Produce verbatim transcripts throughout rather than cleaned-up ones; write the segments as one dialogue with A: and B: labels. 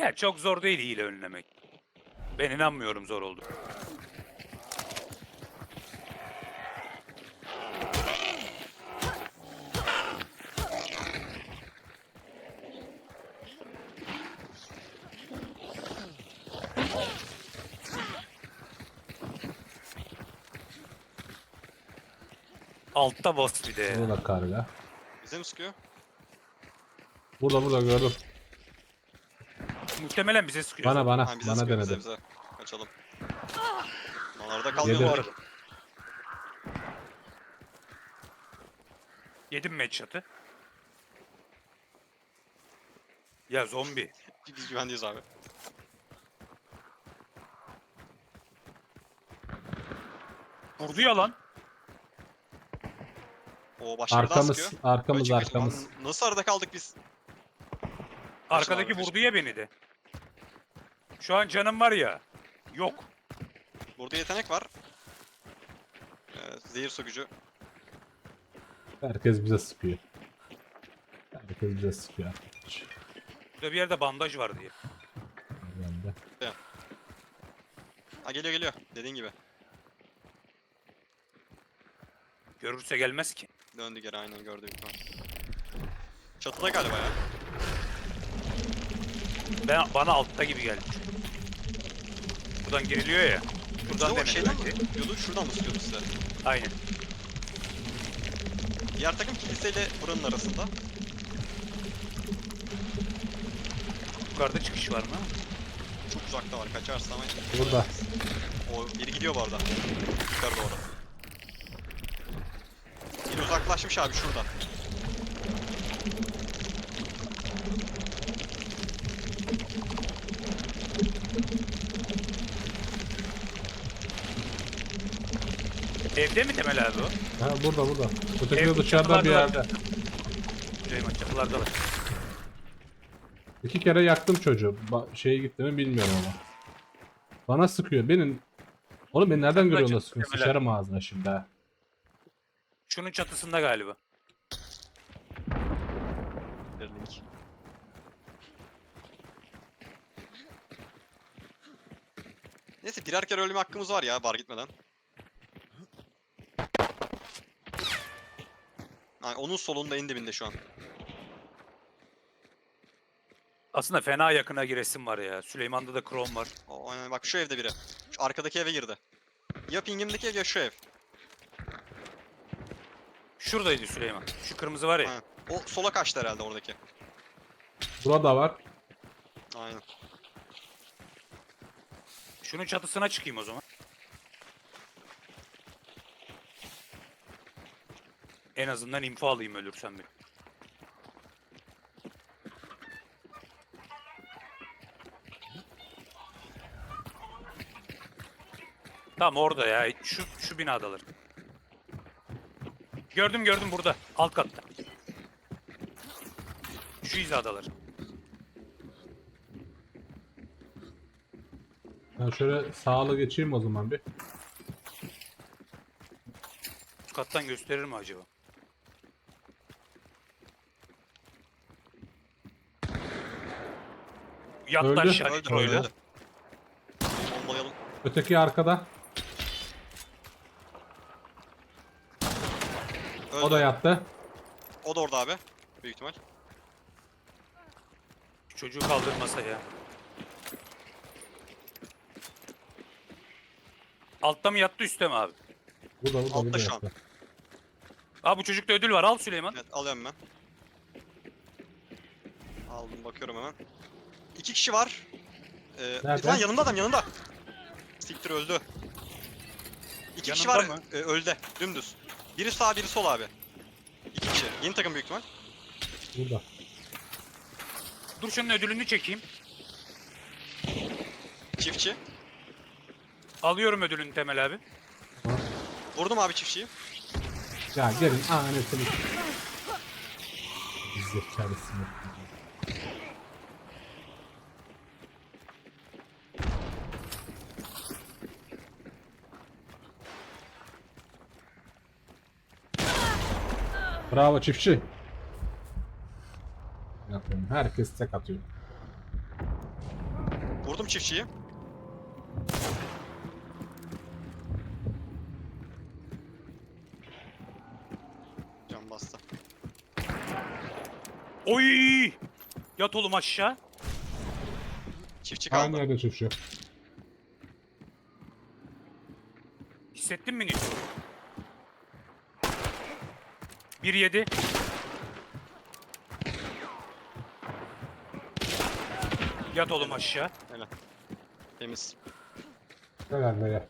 A: Ya çok zor değil hile önlemek. Ben inanmıyorum zor oldu. Altta boss bir de.
B: Burada da karga.
C: Bize mi sıkıyor?
B: Burada burada gördüm.
A: Muhtemelen bize sıkıyor.
B: Bana bana
C: Ha bize
B: bana
C: sıkıyor
B: denedi.
C: bize bize. Kaçalım. Onlarda
B: Yedi.
C: kalmayalım bu
A: Yedi.
C: arada.
A: Yedim mi headshot'ı? Ya zombi.
C: Biz güvendeyiz abi.
A: Vurdu ya lan.
C: O başları daha
B: Arkamız
C: sıkıyor.
B: arkamız
C: Kaçın, kaçın.
B: arkamız.
C: Lan Nasıl arada kaldık biz?
A: Arkadaki
C: abi,
A: vurdu ya beni de. Şu an canım var ya. Yok.
C: Burada yetenek var. Evet, zehir sökücü.
B: Herkes bize sıkıyor. Herkes bize sıkıyor.
A: Burada bir yerde bandaj var diye.
B: Bende.
C: Ha geliyor geliyor. Dediğin gibi.
A: Görürse gelmez ki.
C: Döndü geri aynen gördüğüm gibi. Çatıda galiba ya.
A: Ben, bana altta gibi geldi. Buradan giriliyor ya. Buradan
C: Yo,
A: denedi
C: şeyden mi?
A: bence.
C: Sıkıyordu, şuradan mı sıkıyordu size?
A: Aynen.
C: Diğer takım kiliseyle buranın arasında.
A: Yukarıda çıkış var mı?
C: Çok uzakta var. Kaçarsa ama...
B: Burada.
C: O biri gidiyor bu arada. Yukarı doğru. Biri uzaklaşmış abi şurada.
A: Evde mi Temel abi o?
B: Ha burada burada. Öteki
A: Ev
B: de dışarıda bir
A: çatılarda
B: yerde.
A: Süleyman çatılarda var.
B: İki kere yaktım çocuğu. Ba şeye gitti mi bilmiyorum ama. Bana sıkıyor. Benim... Oğlum beni nereden görüyorsun da
A: çatı
B: sıkıyorsun?
A: Kemal abi.
B: Sıçarım ağzına şimdi ha.
A: Şunun çatısında galiba.
C: Bir link. Neyse birer kere ölme hakkımız var ya bar gitmeden. Yani onun solunda en dibinde şu an.
A: Aslında fena yakına giresim var ya. Süleyman'da da Chrome var.
C: O, aynen bak şu evde biri. Şu arkadaki eve girdi. Ya pingimdeki ev ya şu ev.
A: Şuradaydı Süleyman. Şu kırmızı var ya.
C: Aynen. O sola kaçtı herhalde oradaki.
B: Burada var.
C: Aynen.
A: Şunun çatısına çıkayım o zaman. En azından info alayım ölürsem bir. Tamam orada ya. Şu şu binadalar. Gördüm gördüm burada. Alt katta. Şu hizadalar.
B: Ben şöyle sağlı geçeyim o zaman bir.
A: Üst kattan gösterir mi acaba? Yattı
B: Öldü.
A: aşağı
C: Öldü
A: Nitro'yla.
C: öldü. Bombalayalım.
B: Öteki arkada.
C: Öldü.
B: O da yattı.
C: O da orada abi. Büyük ihtimal.
A: Çocuğu kaldırmasa ya. Altta mı yattı üstte mi abi?
B: Burada burada
C: Altta
B: burada
C: şu an.
B: yattı.
A: Aa bu çocukta ödül var al Süleyman.
C: Evet alıyorum ben. Aldım bakıyorum hemen. İki kişi var. Ee,
B: Nerede?
C: Lan yanında adam yanında. Siktir öldü. İki kişi
A: Yanında
C: var
A: mı?
C: e, öldü. Dümdüz. Biri sağ biri sol abi. İki kişi. Yeni takım büyük ihtimal.
B: Burada.
A: Dur şunun ödülünü çekeyim.
C: Çiftçi.
A: Alıyorum ödülünü Temel abi.
C: Vurdum abi çiftçiyi.
B: Ya gelin anasını. Zekalısın. Bravo çiftçi. Yapıyorum. Herkes tek atıyor.
C: Vurdum çiftçiyi. Can bastı.
A: Oy! Yat oğlum aşağı.
C: Çiftçi
B: Aynı
C: kaldı.
B: yerde çiftçi.
A: Hissettin mi? bir yedi. Yat oğlum aşağı.
C: Helal. Temiz.
B: Helal be.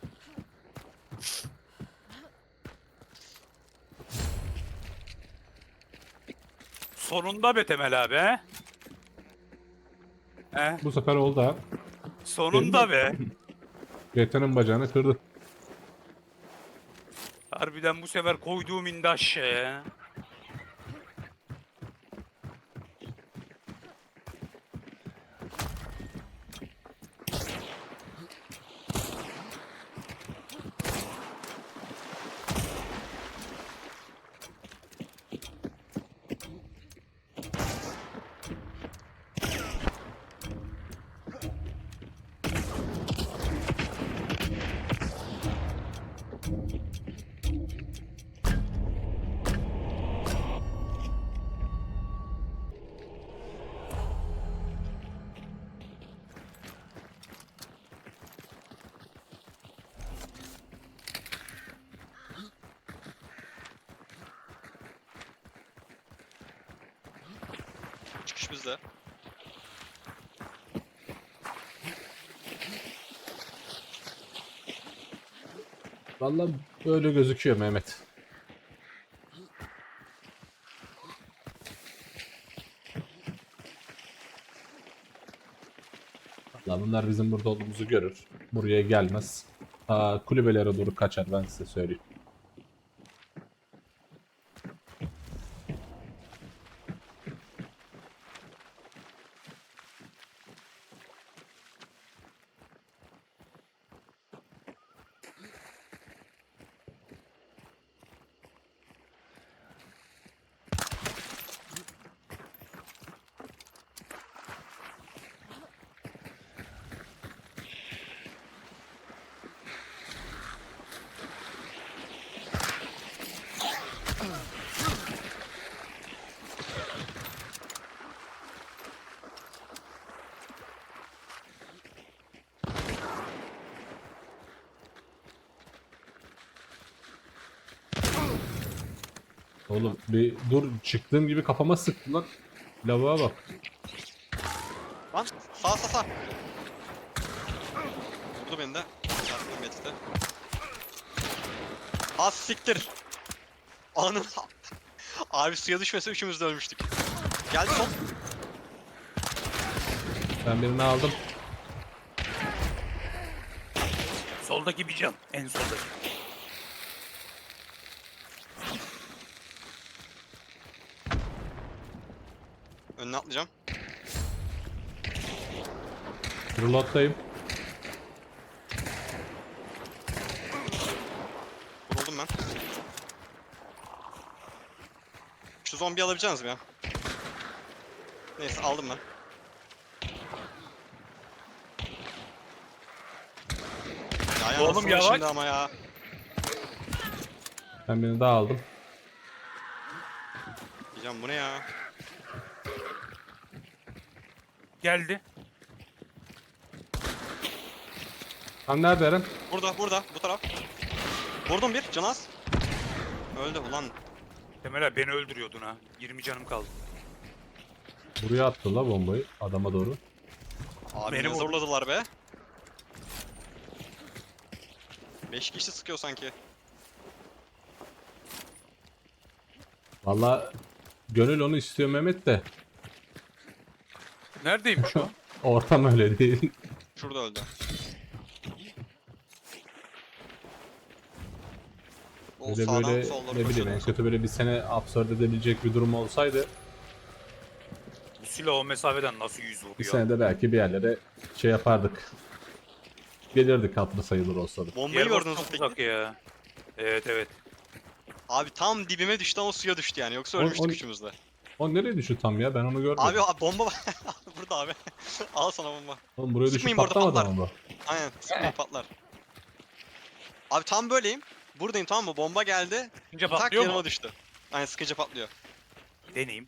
A: Sonunda be Temel abi he? He?
B: Bu sefer oldu ha.
A: Sonunda be.
B: Yetenin bacağını kırdı.
A: Harbiden bu sefer koyduğum indi aşağıya.
C: Çıkış bizde.
B: Vallahi böyle gözüküyor Mehmet. Vallahi bunlar bizim burada olduğumuzu görür. Buraya gelmez. Aa, kulübelere doğru kaçar, ben size söyleyeyim. Oğlum bir dur, çıktığım gibi kafama sıktı lan. Lavuğa bak.
C: Lan sağ sağ sağ. Vurdu beni de. Çarptım Metis'te. Az siktir. Anın. Abi suya düşmese üçümüz de ölmüştük. Geldi son.
B: Ben birini aldım.
A: Soldaki bir can. En soldaki.
C: Önüne atlayacağım.
B: Reload'dayım.
C: Vuruldum ben. Şu zombi alabileceğiniz mi ya? Neyse aldım ben. Ya
A: Oğlum,
C: anasını
A: yavaş.
C: şimdi ama ya.
B: Ben birini daha aldım.
C: Diyeceğim bu ne ya?
A: Geldi.
B: Lan nerede Eren?
C: Burada burada bu taraf. Vurdum bir canaz. Öldü ulan.
A: Temel abi beni öldürüyordun ha. yirmi canım kaldı.
B: Buraya attı la bombayı adama doğru.
C: Abi
A: Beni
C: ne
A: vurdu.
C: zorladılar be. beş kişi sıkıyor sanki.
B: Valla gönül onu istiyor Mehmet de.
A: Neredeymiş o?
B: Ortam öyle değil.
C: Şurada öldü. O
B: Böyle
C: sağdan
B: böyle
C: solları
B: ne bileyim en
C: koşuyordu.
B: kötü böyle bir sene absorbe edebilecek bir durum olsaydı
A: Bu silah o mesafeden nasıl yüz
B: bir
A: vuruyor?
B: senede belki bir yerlere şey yapardık. Gelirdik hatırı sayılır olsa da.
C: Bombayı
A: Diğer boss
C: gördünüz mü
A: çok
C: peki?
A: uzak ya. Evet evet.
C: Abi tam dibime düştü ama suya düştü yani. Yoksa
B: On-
C: ölmüştük
B: on-
C: üçümüz de.
B: O nereye düştü tam ya? Ben onu görmedim.
C: Abi, abi bomba var. Burada abi. Al sana bomba.
B: Oğlum buraya düşüp
C: Sıkmayın, burada
B: patlamadı
C: patlar.
B: ama bu.
C: Aynen sıkmayın patlar. Abi tam böyleyim. Buradayım tamam mı? Bomba geldi.
A: Önce
C: Tak
A: patlıyor
C: yanıma
A: mu?
C: düştü. Aynen sıkınca patlıyor.
A: Deneyeyim.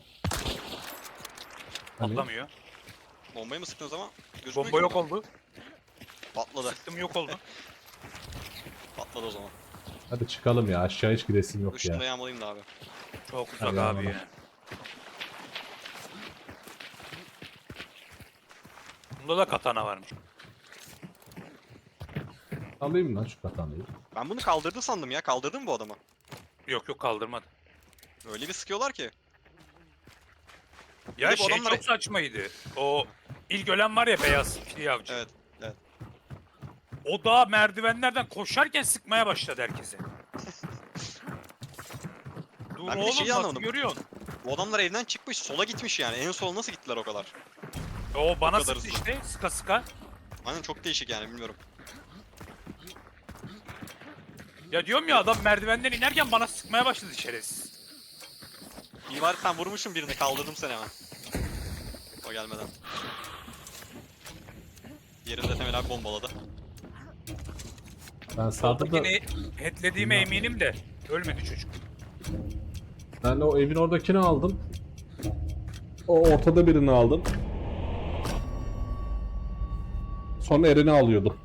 B: Hani?
A: Patlamıyor.
C: Bombayı mı sıktın o zaman? Gözükmüyor
A: Bomba
C: ki
A: yok
C: burada.
A: oldu.
C: Patladı.
A: Sıktım yok oldu.
C: Patladı o zaman.
B: Hadi çıkalım ya. Aşağı hiç gidesim yok
C: Işını da
B: ya.
C: yağmalayayım da abi.
A: Çok uzak
B: Hadi
A: abi
B: abi.
A: ya. Bunda da katana varmış.
B: Alayım lan şu katanayı.
C: Ben bunu kaldırdı sandım ya. Kaldırdın mı bu adamı?
A: Yok yok kaldırmadı.
C: Öyle bir sıkıyorlar ki.
A: Ya
C: Bir de bu
A: şey
C: adamlar-
A: çok saçmaydı. O ilk ölen var ya beyaz fili avcı.
C: Evet. Evet.
A: O da merdivenlerden koşarken sıkmaya başladı herkese. Dur
C: Ben bir de
A: oğlum
C: şeyi
A: nasıl
C: anlamadım.
A: görüyorsun?
C: Bu adamlar evden çıkmış. Sola gitmiş yani. En sol nasıl gittiler o kadar?
A: O bana
C: kadar
A: sıktı
C: hızlı.
A: işte sıka sıka.
C: Aynen çok değişik yani bilmiyorum.
A: Ya diyorum ya adam merdivenden inerken bana sıkmaya başladı şerefsiz.
C: İyi var sen vurmuşsun birini. Kaldırdım seni hemen. O gelmeden. Diğerini de Temel abi bombaladı.
B: Ben sağda da...
A: Soldakini headlediğime eminim de ölmedi çocuk.
B: Ben o evin oradakini aldım. O ortada birini aldım. Sonra Eren'i alıyordum.